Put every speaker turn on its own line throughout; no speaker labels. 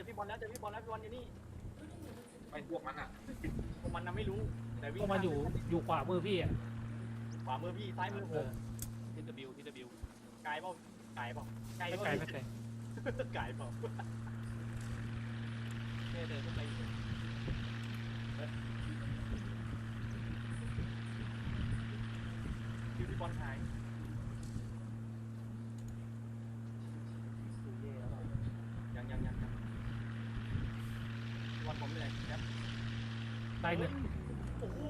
พี่บอลแล้วเจอพี่บอลแล้วพี่บอลอยู่นี่
ไปพวกมันอ่ะ
พวกมันน่ะไม่รู้แต่วิ่
พว
ง
กมันอยู่ขวามือพี่อ่ะ
ขวามือพี่ซ้ายมือผม
ทีดับบิว
ไกลเปล่าไกลเปล่าไกล
ไม่
เป
ไกล
ล่า
ไม่ไกล
ไกลเปล่า
เดินขึ้นไปอยู่
พี่บอลหายยังพี่บอลผมเหนื่อยครับ
ตายหนึ่ง
โอ้โห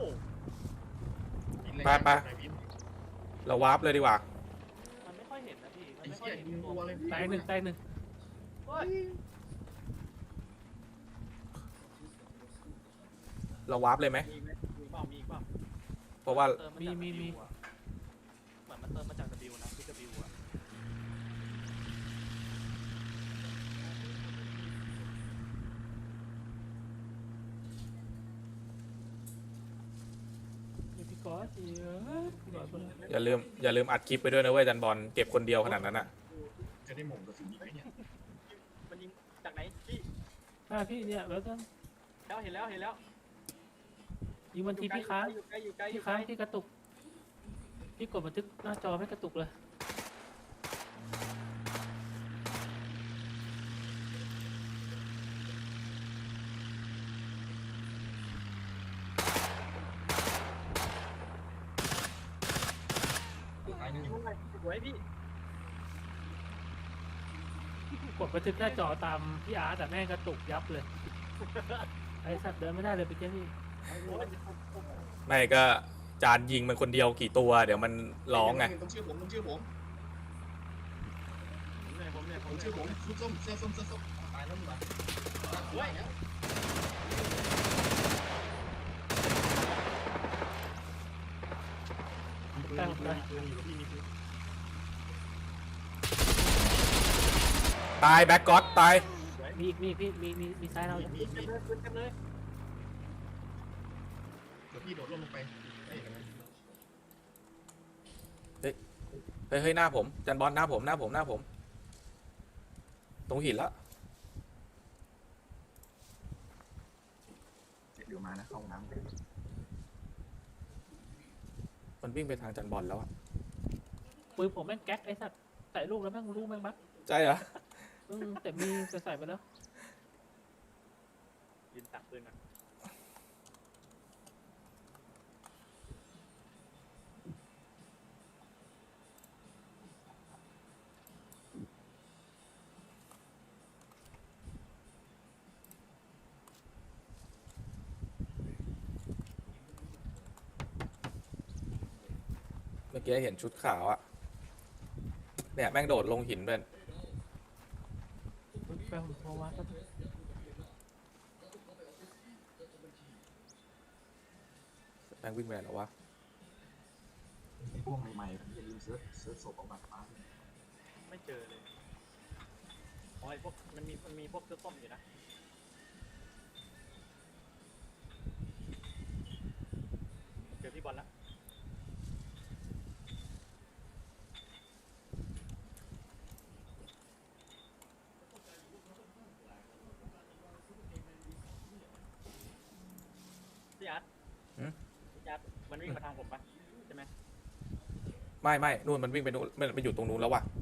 ไปเราวาร์ปเลยดีกว่า
มันไม่ค่อยเห็นนะพี่มัน
ไอ้
ไม่ค่อ
เหี้
ย
ย
เห็น
ยิง
ตั
ตัว วเลย
ตายหนึ่ง
เฮ้ย
เราวาร์ปเลยไหม
มีไหมมีเปล่ามีเปล่า
เพราะว่า
เติมมาจาก W อะเหมือนมันเติมมาจาก W นะที่ W อ่ะ
พี่ก๊อตพี่ก๊อตคนละ
อย่าลืมอัดคลิปไปด้วยนะเว้ยจันบอลเก็บคนเดียวขนาดนั้นอ่ะ
จะได้หม่งกระสุนอีกไหมเนี่ย
มันยิงจากไหนพี่
พี่เนี่ยแล้วก็
แล้วเห็นแล้ว
ยิงมันทีพี่ค้าง
อยู่ใกล้อยู่ใกล้อ
พี่
ยู่ใก
ค้า
ล้
งพี่กระตุกพี่กดบันทึกหน้าจอไม่กระตุกเลย
ตายหนึ่ง
ยิงมันสวยพี่
กดบันทึกหน้าจอตามพี่อาร์ตแต่แม่งกระตุกยับเลยไอสัตว์เดินไม่ได้เลยไปเจ้าพี่
ไม่ก็จานยิงมันคนเดียวกี่ตัว เดี๋ยวมันร้องไง
ต้องชื่อผมต้องชื่อผม
ผมเหนื่อย
ผมชื่อผมชุดส้มเสื้อส้มตายแล้วมึงวะเฮ้ยแล้ว
ตั้งเลย
ตายแบ็กก็อตตาย
มีอีกมีซ้ายเรา
มีเต็มเลยเต็มเลย
เดี๋ยวพี่โดดลงไปเฮ้ย
เฮ้ยหน้าผมจันบอลหน้าผมตรงหินละ
เดี๋ยวมานะเข้าน้ำ
มันวิ่งไปทางจันบอลแล้วอ่ะ
ปืนผมแม่งแก๊กไอสัตว์ใส่ลูกแล้วแม่งลูกแม่งบัก
ใช่เหรอ
แต่มีใส่ไปแล้ว
ยืนตักปืนก่อน
เมื่อกี้เห็นชุดขาวอ่ะเนี่ยแม่งโดดลงหินเป็น
แฟนผมโทรมาก็
แม่งวิ่งไปไหนแล้ววะ
ไอ้พวกใหม่ๆผมจะลืมเซิร์ชศพออกมาฟ้า
ไม่เจอเลยอ๋อไอพวกมันมีพวกเสื้อส้มอยู่นะเจอพี่บอลแล้วพี่อาร์ตพี่อาร์ตมันวิ่งมาทางผมปะใช่ไหม
ไม่นู่นมันวิ่งไปนู่นมันไปอยู่ตรงนู้นแล้วว่ะ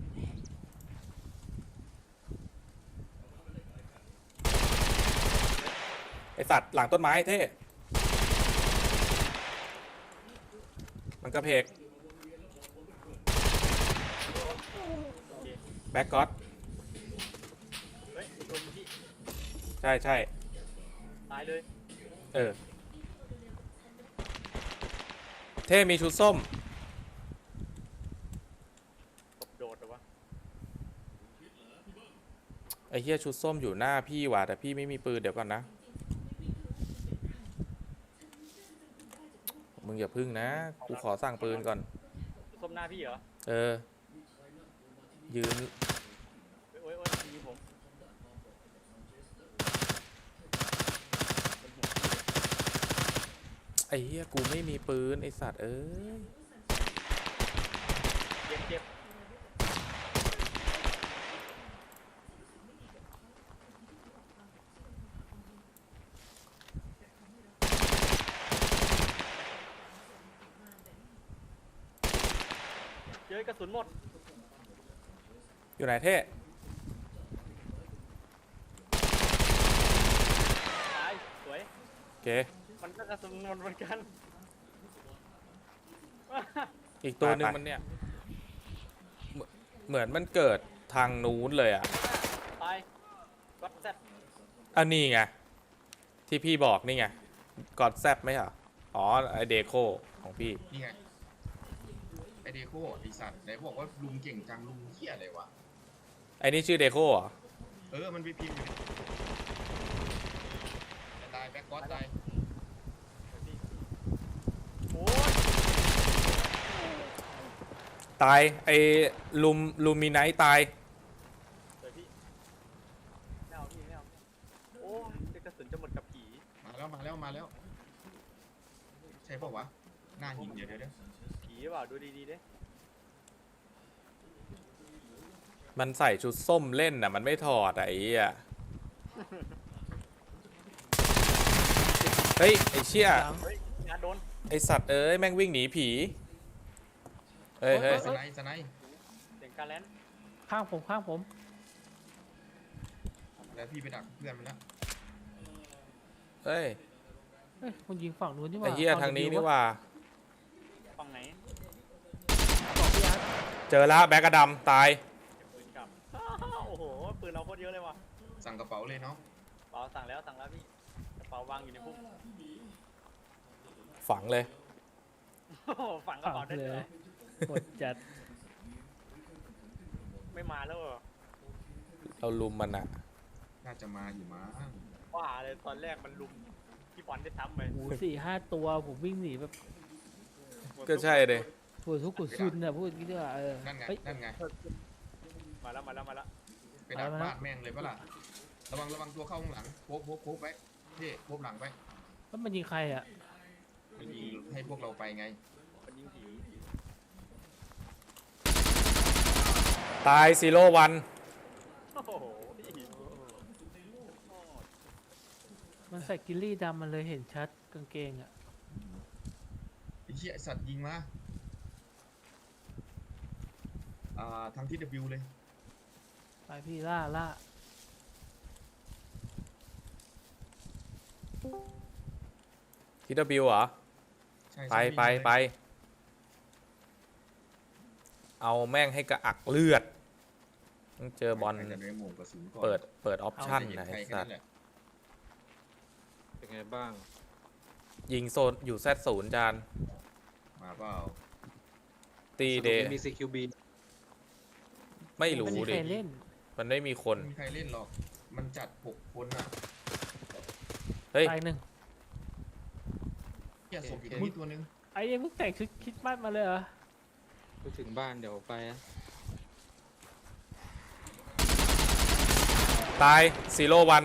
ไอสัตว์หลังต้นไม้เท่มันกระเพก
โอเค
แบ็กก็อต
เฮ้ยตัวนี้พี่
ใช่
ตายเลย
เท่มีชุดส้ม
ตบโดดเหรอวะ
ไอ้เหี้ยชุดส้มอยู่หน้าพี่ว่ะแต่พี่ไม่มีปืนเดี๋ยวก่อนนะมึงอย่าพึ่งนะกูขอสั่งปืนก่อน
ส้มหน้าพี่เหรอ
ยืน
โอ้ยยิงผม
ไอ้เหี้ยกูไม่มีปืนไอ้สัตว์เอ้ย
เจ็บยกระสุนหมด
อยู่ไหนเท่
ตายสวย
โอเค
มันก็กระสุนหมดเหมือนกัน
อีกตัวหนึ่งมันเนี่ยเหมือนมันเกิดทางนู้นเลยอ่ะ
ตายวัดแซด
อันนี้ไงที่พี่บอกนี่ไงกอดแซบไหมเหรออ๋อไอเดโคของพี่
นี่ไงไอเดโคไอสัตว์ไหนบอกว่าลุงเก่งจังลุงเหี้ยอะไรวะ
ไอนี่ชื่อเดโคเหรอ
มันไปพิมพ์อยู่ตายแบ็คก๊อตตาย
โอ้ย
ตายไอลูมิไนท์ตาย
สวยพี่ไม่เอาพี่ไม่เอาโอ้ยกระสุนจะหมดกับผี
มาแล้วใช่ปะวะหน้าหินเดี๋ยว
ผีหรือเปล่าดูดีๆดิ
มันใส่ชุดส้มเล่นน่ะมันไม่ถอดอะไอ้เหี้ยเฮ้ยไอเชี่ย
เฮ้ยงานโดน
ไอสัตว์เอ้ยแม่งวิ่งหนีผีเฮ้ย
สไนป์
เสียงการแลน
ข้างผม
แล้วพี่ไปดักเพื่อนมันแล้ว
เฮ้ย
เฮ้ยคุณยิงฝั่งนู้นนี่ห
ไอ
ว่า
เหี้ยทางนี้นี่ว่า
ฝั่งไหน
บอกพี่อาร์ต
เจอแล้วแบ็กกระดำตาย
ปืนกลับ โอ้โหปืนเราโคตรเยอะเลยว่ะ
สั่งกระเป๋าเลยเนาะ
เป๋าสั่งแล้วพี่กระเป๋าวางอยู่ในพุ่ม
ฝังเลย
โอ้โหฝังกระ
ฝั่ง
เป๋าได้
เล
เลย
ยกดจัด
ไม่มาแล้วเหรอ
เราลุมมันอะ
น่าจะมาอยู่มั้ง
ว่าเลยตอนแรกมันลุมพี่บอลได้ซ้ำไป
โอ้โห4-5 ตัวผมวิ่งหนีแบบ
ก็ใช่เลย
ปวดทุกข์ปวดซุนอะพูดอย่างนี้ด้วยว่า
นั่นไง
เฮ้ย
มาแล้ว
ไปดักบ้านแม่งเลยปะล่ะระวังตัวเข้าข้างหลังโค้บไว้พี่โค้บหลังไป
แล้วมันยิงใครอะ
มันยิงให้พวกเราไปไง
มันยิงผี
ตายซีโร่วัน
โอ้โหพี่
มันใส่กิลลี่ดำมันเลยเห็นชัดกางเกงอะ
ไอ้เหี้ยไอ้สัตว์ยิงมาทางที่ W เลย
ไปพี่ล่า
ทีดบิวเหรอ
ใช่
ไปเอาแม่งให้กระอักเลือดต้องเจอบอล
จะได้หม่งกระสุนก่อน
เปิดออปชั่นไหน
ใครแค่
สั
นั้
ต
น
ว์
แหละ
เป็นไงบ้าง
ยิงโซนอยู่ Z0 จาน
มาเปล่า
ตีเด
มี CQB
ไม่
ๆ
รู้
ไม่มี
ดิ
ใครเล่น
มันไม่มีคน
ไม่มีใครเล่นหรอกมันจัด6 คนอ่ะ
เฮ้ย
ตายหนึ่ง
เหี้ยศพอยู่ตรงนี้ตัวนึง
ไอ้ยังเพิ่งแต่งชุดคริดมัดมาเลยเหรอ
ไปถึงบ้านเดี๋ยวไปนะ
ตายซีโร่วัน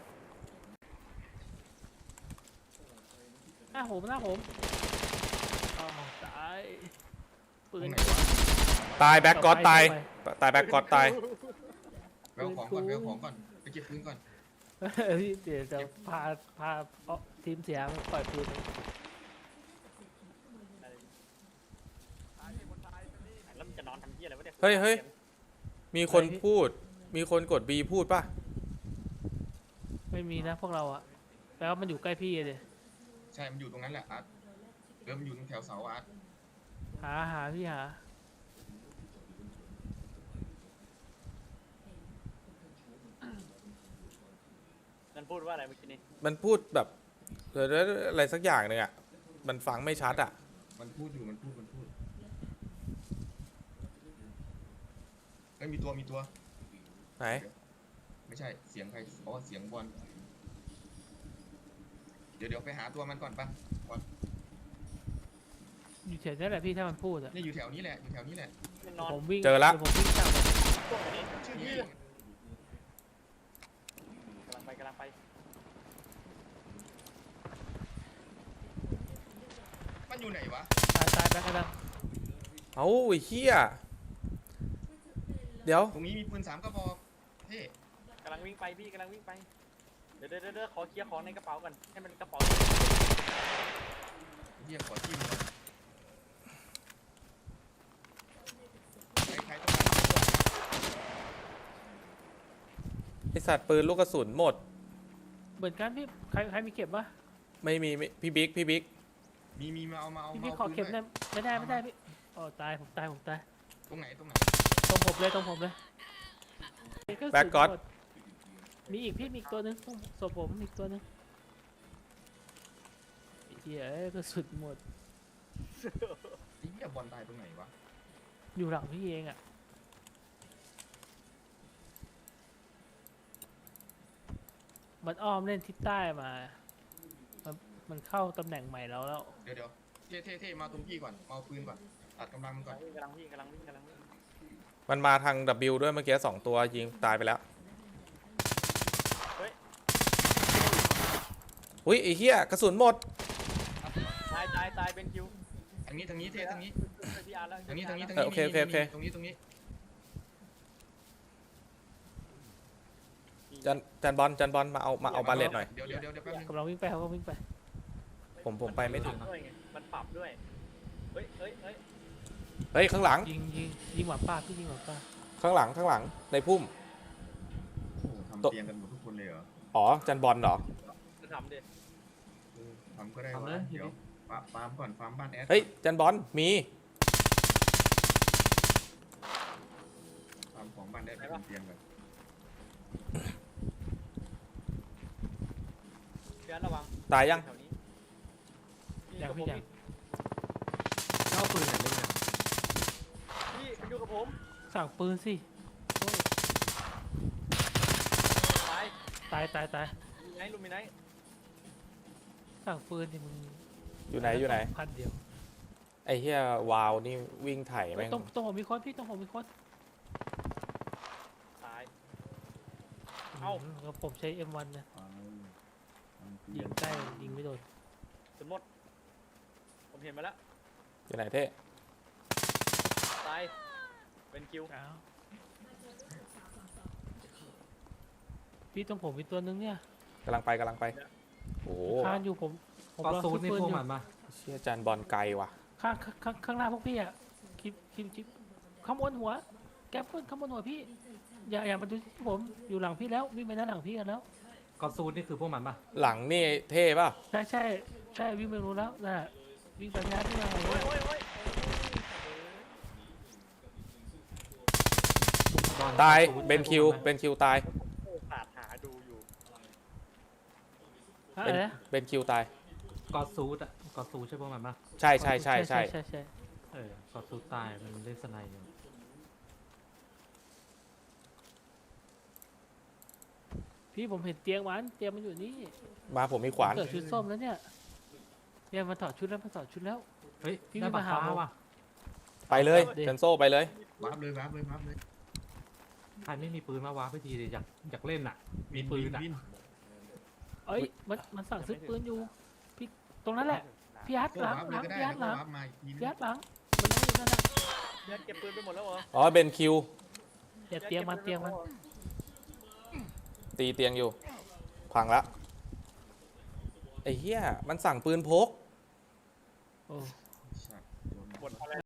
หน้าผมอ้าวตายปื
ตร
น
งไหนวะ
ตายแบ็กกอดตายแบ็กกอดตาย
ไปเอาของก่อนไปเก็บปืนก่อน
พี่เดี๋ยวจะพาทีมเสียมาปล่อยปืน
แล้วมันจะนอนทำเหี้ยอะไรวะเนี่ย
เฮ้ย มีคนพูด มีคนกด B พูดป่ะ
ไม่มีนะพวกเราอะแปลว่ามันอยู่ใกล้พี่เลย
ใช่มันอยู่ตรงนั้นแหละอาร์ตมันอยู่ตรงแถวเสาอาร์ต
หาพี่หา
มันพูดว่าอะไรเมื่อกี้นี้
มันพูดแบบอะไรสักอย่างหนึ่งอ่ะ มันฟังไม่ชัดอ่ะ
มันพูดเฮ้ยมีตัว
ไหน
ไม่ใช่เสียงใครอ๋อเสียงบอลเดี๋ยวไปหาตัวมันก่อนปะบอล
อยู่แถวนี้แหละพี่ถ้ามันพูดอะ
นี่อยู่แถวนี้แหละ
มันนอน
ผมวิ่ง
เจอละ
ดี๋ยวผมวิ่งตาม
พวกนี้
ชื่อนี้
กำลังไป
มันอยู่ไหนวะ
ตายไปกระดัง
เอาไอ้เหี้ย เดี๋ยว
ตรงนี้มีปืน3 กระบอกเท่
กำลังวิ่งไปพี่กำลังวิ่งไปเดี๋ยวขอเคลียร์ของในกระเป๋าก่อนให้มันกระเป๋า
เฮียขอจิ้มก่อน
สัตว์ปืนลูกกระสุนหมด
เหมือนกันพี่ใครมีเก็บปะ
ไม่มีพี่บิ๊ก
มีมาเอา
พี่
มา
พี่
เอา
ขอเก็บ
ปืน
ได้ไม่ได้พี่อ๋อตายผมตาย
ตรงไหน
ตรงผมเลยกระสุน
แบ็กก็อด
หมดมีอีกพี่มีอีกตัวนึงตรงศพผมมีอีกตัวนึงไอ้เหี้ยเอ้ยกระสุนหมด
ไอ้เหี้ยบอลตายตรงไหนวะ
อยู่หลังพี่เองอ่ะมันอ้อมเล่นทิศใต้มามันเข้าตำแหน่งใหม่แล้ว
เดี๋ยวเท่มาตรงพี่ก่อนเอาปืนก่อนตัดกำลังมันก่อน
กำลังวิ่ง
มันมาทาง W ด้วยเมื่อกี้2 ตัวยิงตายไปแล้วอุ้ยไอ้เหี้ยกระสุนหมด
ตายเป็นคิว
ทางนี้เท่ทางนี้
พี่อาร์แล้ว
ตรงนี้
โอเค
ตรงนี้
จันบอลมาเอาบาเลตหน่อย
เดี๋ยวแป๊บนึง
กำลังวิ่งไปเขาก็วิ่งไป
ผมไปไม่ถึง
มันปรับด้วยเฮ้ย
เฮ้ยข้างหลัง
ยิงหมาป่าพี่ยิงหมาป่า
ข้างหลังในพุ่ม
โอ้โหทำเตียงกันหมดทุกคนเลยเหรอ
อ๋อจันบอลเหรอ
จะทำดิ
ทำก็ได้วะเดี๋ยวฟาร์มก่อนฟาร์มบ้านแอด
เฮ้ยจันบอลมี
ฟาร์มของบ้านแอดเป็นเตียงก่อน
พี่อาร์ระวัง
ตายยัง
แถวนี้
อย่างพี่อย่าง
เอาปืนไหนเล่นกัน
พี่มันอยู่กับผม
สั่งปืนสิโอ้ย
ตาย
ตาย
ลุมิไนท์
สั่งปืนดิมึง
อยู่ไหน
พันเดียว
ไอ้เหี้ยวาวนี่วิ่งไถ่แม่ง
ต้องผมมีคนพี่ต้องผมมีคน
ตาย เอ้า
แล้วผมใช้ M1 นะ
เตี
ยิ
ยง
งใกล้ยิงไม่โดน
สมมติผมเห็นมาแล้ว
อยู่ไหนเท่
ตายเป็นคิว
อ้าวพี่ต้องผมมีตัวนึงเนี่ย
กำลังไปโอ้โห
คานอยู่ผม
กอ
รอ
ซู
ซื้
ด
อ
นี่
ปืน
พวก
อยู่
มันปะ
เชี่ยจันบอลไกลว่ะ
ข้างหน้าพวกพี่อ่ะคลิปข้างบนหัว แก๊ปเปิ้ลข้างบนหัวพี่ อย่ามาดูที่ผมอยู่หลังพี่แล้ววิ่งไปหน้าหลังพี่กันแล้ว
กอซูดนี่คือพวกมันปะ
หลังนี่เท่ป่ะ
ใช่วิ่งไปรู้แล้วน่ะวิ่งไปงานที่มา
โอ้ย
บอล
ตาย
กอซูด
เป็นคิว
ใช่พกมั
เป็นคิวตาย
โอ้ขาดหาดูอยู่
อะไรนะ
เป็นคิวตาย
กอซูดอะกอซูดใช่พวกมันปะ
ใช่
ใช่
กอซูดตายมันเล่นสไนด์อยู่
พี่ผมเห็นเตียงมันอยู่นี่
มาผมมีขวาน
เกิดชุดส้มแล้วเนี่ยมันถอดชุดแล้ว
เฮ้ย
พี่
ได้
ไม่
บั
มา
ตร
หา
ฟ้า
ผม
ว่ะ
ไปเลย
เดี๋ยว
จันโซ่ไปเลย
วาร์ปเลย
ใครไม่มีปืนมาวางไปทีเลยอยากเล่นอะมีปืนอะ
วิน
เอ้ยมันสั่งซื้อปืนอยู่พี่ตรงนั้นแหละพี่อาร์ต
ก็
หลัง
วาร์ปเลยก็ได้
พี่อาร์ตห
แล้ว
ลัง
ก็วาร์ปมาอีกทีนึ
พี่
ง
อาร์ตหลังมันนั่งอยู่นั่นน่ะ
เดี๋ยวเก็บปืนไปหมดแล้วเหรอ
อ๋อเป็นคิว
อย่าเตียงมัน
ตีเตียงอยู่ พังละไอ้เหี้ยมันสั่งปืนพก